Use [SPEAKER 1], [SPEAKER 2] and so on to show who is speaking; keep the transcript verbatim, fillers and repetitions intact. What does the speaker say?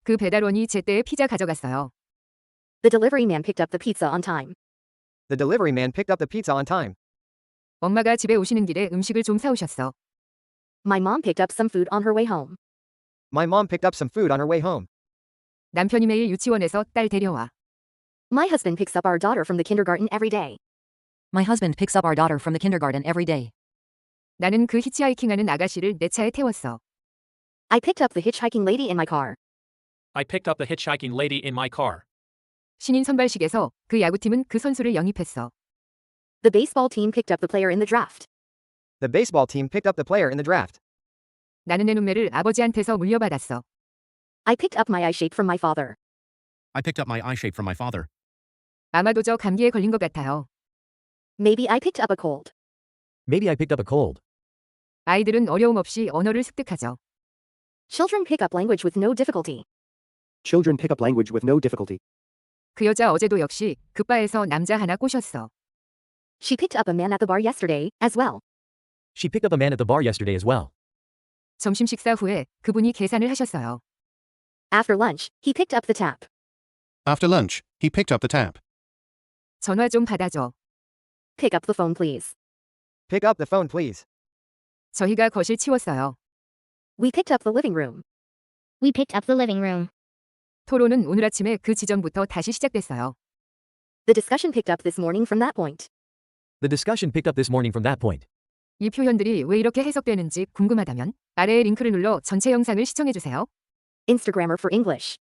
[SPEAKER 1] 그 배달원이 제때에 피자 가져갔어요.
[SPEAKER 2] The delivery man picked up the pizza on time.
[SPEAKER 3] The delivery man picked up the pizza on time.
[SPEAKER 1] 엄마가 집에 오시는 길에 음식을 좀 사오셨어.
[SPEAKER 2] My mom picked up some food on her way home.
[SPEAKER 3] My mom picked up some food on her way home.
[SPEAKER 1] 남편이 매일 유치원에서 딸 데려와.
[SPEAKER 2] My husband picks up our daughter from the kindergarten every day.
[SPEAKER 4] My husband picks up our daughter from the kindergarten every day.
[SPEAKER 1] 나는 그 히치하이킹하는 아가씨를 내 차에 태웠어.
[SPEAKER 2] I picked up the hitchhiking lady in my car.
[SPEAKER 5] I picked up the hitchhiking lady in my car.
[SPEAKER 1] 신인 선발식에서 그 야구팀은 그 선수를 영입했어.
[SPEAKER 2] The baseball team picked up the player in the draft.
[SPEAKER 3] The baseball team picked up the player in the draft.
[SPEAKER 1] 나는 내 눈매를 아버지한테서 물려받았어.
[SPEAKER 2] I picked up my eye shape from my father.
[SPEAKER 6] I picked up my eye shape from my father.
[SPEAKER 1] 아마도 저 감기에 걸린 것 같아요.
[SPEAKER 2] Maybe I picked up a cold.
[SPEAKER 7] Maybe I picked up a cold.
[SPEAKER 1] 아이들은 어려움 없이 언어를 습득하죠.
[SPEAKER 2] Children pick up language with no difficulty.
[SPEAKER 8] Children pick up language with no difficulty.
[SPEAKER 1] 그 여자 어제도 역시 그 바에서 남자 하나 꼬셨어.
[SPEAKER 2] She picked up a man at the bar yesterday, as well.
[SPEAKER 7] She picked up a man at the bar yesterday as well.
[SPEAKER 1] 점심 식사 후에 그분이 계산을 하셨어요.
[SPEAKER 2] After lunch, he picked up the tab.
[SPEAKER 6] After lunch, he picked up the tab.
[SPEAKER 1] 전화 좀 받아줘.
[SPEAKER 2] Pick up the phone, please.
[SPEAKER 3] Pick up the phone, please.
[SPEAKER 1] 저희가 거실 치웠어요.
[SPEAKER 2] We picked up the living room.
[SPEAKER 9] We picked up the living room.
[SPEAKER 1] 토론은 오늘 아침에 그 지점부터 다시 시작됐어요.
[SPEAKER 2] The discussion picked up this morning from that point.
[SPEAKER 7] The discussion picked up this morning from that point.
[SPEAKER 1] 이 표현들이 왜 이렇게 해석되는지 궁금하다면 아래의 링크를 눌러 전체 영상을 시청해주세요.
[SPEAKER 2] Instagrammer for English.